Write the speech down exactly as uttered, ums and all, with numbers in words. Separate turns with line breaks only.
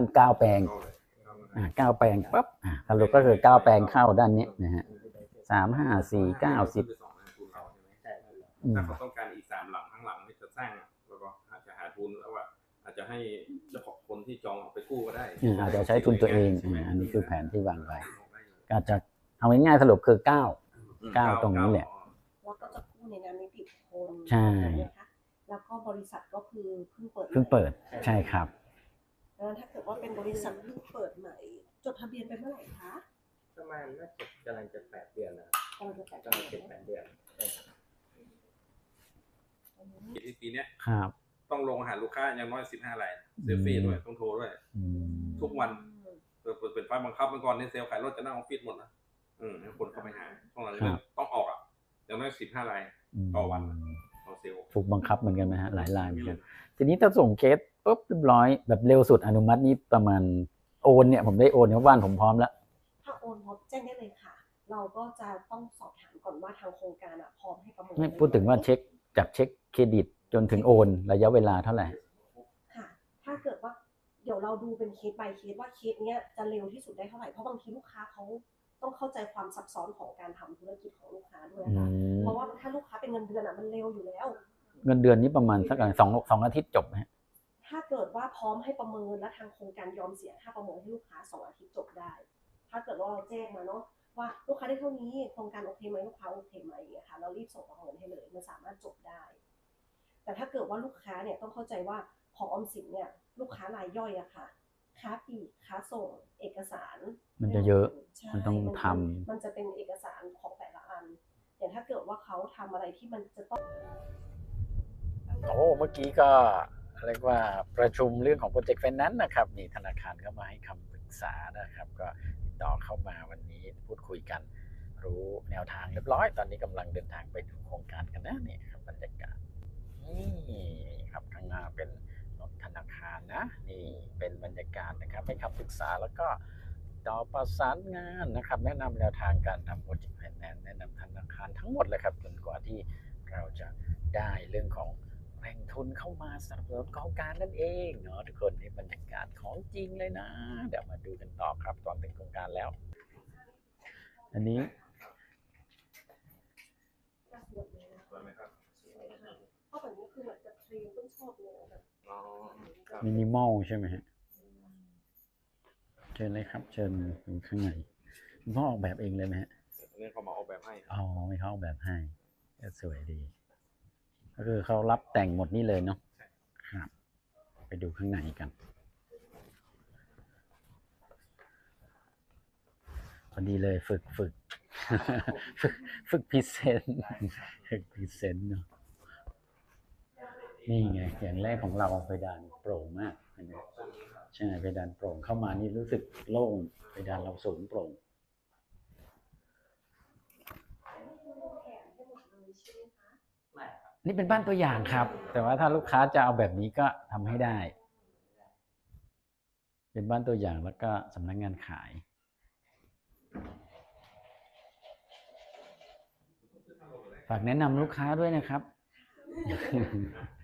เก้าแปลงอ่าเก้าแปลงปั๊บอ่าสรุปก็คือเก้าแปลงเข้าด้านนี้นะฮะสามห้าสี่เก้าสิบ
ถ้าเขาต้องการอีกสามหลังข้างหลังที่จะสร้างแล้วก็อาจจะหาทุนแล้วว่าอาจจะให้เจ้าของคนที่จองเอาไปกู้ก็ได้
อาจจะใช้ทุนตัวเองอันนี้คือแผนที่วางไว้อาจจะเอาง่ายๆสรุปคือเก้าเก้าตรงนี้แหละ
แล้วก็จะกู้ในนามนิติบุคคล
ใช่
แล้วก็บริษัทก็คือเพิ่งเปิด
เพิ่งเปิดใช่ครับ
แล้วถ้าเกิดว่าเป็นบริษัทเพิ่งเปิดใหม่จดทะเบียนไปเมื่อไหร่คะ
ประมาณน่าจะกำลังจะแปดเดือนนะกำลังจะแปดกำลังจะแปดเดือน
ปีนี้
ครับ
ต้องลงหาลูกค้าอย่างน้อยสิบห้ารายเซลฟี่ด้วยต้องโทรด้วยทุกวันเปิดเป็นไฟบังคับเมื่อก่อนในเซลล์ขายรถจะนั่งออฟฟิศหมดนะอืมให้คนเข้าไปหาช่วงหลังต้องออกอ่ะอย่างน้อยสิบห้ารายต่อวันต่อเซลล์
ถูกบังคับเหมือนกันไหมฮะหลายรายเหมือนกันทีนี้ถ้าส่งเคสปุ๊บเรียบร้อยแบบเร็วสุดอนุมัตินี้ประมาณโอนเนี่ยผมได้โอนเพราะบ้านผมพร้อมแล้ว
ถ้าโอนพร้อมแจ้งได้เลยค่ะเราก็จะต้องสอบถามก่อนว่าทางโครงการอ่ะพร้อมให้ประเมิน
ไม่พูดถึงว่าเช็คจากเช็คเครดิตจนถึงโอนระยะเวลาเท่าไหร่
ค่ะถ้าเกิดว่าเดี๋ยวเราดูเป็นเคส by เคสว่าเคสเนี้ยจะเร็วที่สุดได้เท่าไหร่เพราะบางทีลูกค้าเขาต้องเข้าใจความซับซ้อนของการทำธุรกิจของลูกค้าด้วยค่ะเพราะว่าถ้าลูกค้าเป็นเงินเดือนอ่ะมันเร็วอยู่แล้ว
เงินเดือนนี้ประมาณสักสองสองอาทิตย์จบไหม
ถ้าเกิดว่าพร้อมให้ประเมินและทางโครงการยอมเสียค่าประเมินให้ลูกค้าสองอาทิตย์จบได้ถ้าเกิดว่าเราแจ้งมาเนาะว่าลูกค้าได้เท่านี้โครงการโอเคไหมลูกค้าโอเคไหมอย่างเงี้ยค่ะเรารีบส่งประเมินให้เลยมันสามารถจบได้แต่ถ้าเกิดว่าลูกค้าเนี่ยต้องเข้าใจว่าของออมสินเนี่ยลูกค้ารายย่อยอะค่ะค้าปลีกค้าส่งเอกสาร
มันจะเยอะมันต้องทำ
มันจะเป็นเอกสารของแต่ละอันอย่างถ้าเกิดว่าเขาทำอะไรที่มันจะต้อง
โอ้เมื่อกี้ก็เรียกว่าประชุมเรื่องของโปรเจกต์ไฟแนนซ์นะครับมีธนาคารเข้ามาให้คำปรึกษานะครับก็ติดต่อเข้ามาวันนี้พูดคุยกันรู้แนวทางเรียบร้อยตอนนี้กำลังเดินทางไปดูโครงการกันนะนี่ครับบรรยากาศนี่ครับข้างหน้าเป็นรถธนาคารนะนี่เป็นบรรยากาศนะครับให้คำปรึกษาแล้วก็ต่อประสานงานนะครับแนะนำแนวทางการทำโปรเจกต์ไฟแนนซ์แนะนำธนาคารทั้งหมดเลยครับจนกว่าที่เราจะได้เรื่องของแหล่งทุนเข้ามาสนับสนุนโครงการนั่นเองเนาะทุกคนนี่บรรยากาศของจริงเลยนะเดี๋ยวมาดูกันต่อครับตอนถึงโครงการแล้วอันนี้
เพราะแบบนี้คือเหมือนกับเทรนต้องชอบเลยแบบ
มินิมอลใช่ไหมฮะเชิญเลยครับเชิญถึงข้างในคุณพ่อออกแบบเองเลยไหมฮะ
นี่เขามาออกแบบให้
อ๋อไม่เขาออกแบบให้สวยดีก็คือเขารับแต่งหมดนี่เลยเนาะครับไปดูข้างในกันพอดีเลยฝึกฝึกฝึกฝึกพรีเซนต์ฝึกพรีเซนต์เนาะนี่ไงอย่างแรกของเราเพดานโปร่งมากใช่เพดานโปร่งเข้ามานี่รู้สึกโล่งเพดานเราสูงโปร่งนี่เป็นบ้านตัวอย่างครับแต่ว่าถ้าลูกค้าจะเอาแบบนี้ก็ทำให้ได้เป็นบ้านตัวอย่างแล้วก็สำนักงานขายฝากแนะนำลูกค้าด้วยนะครับ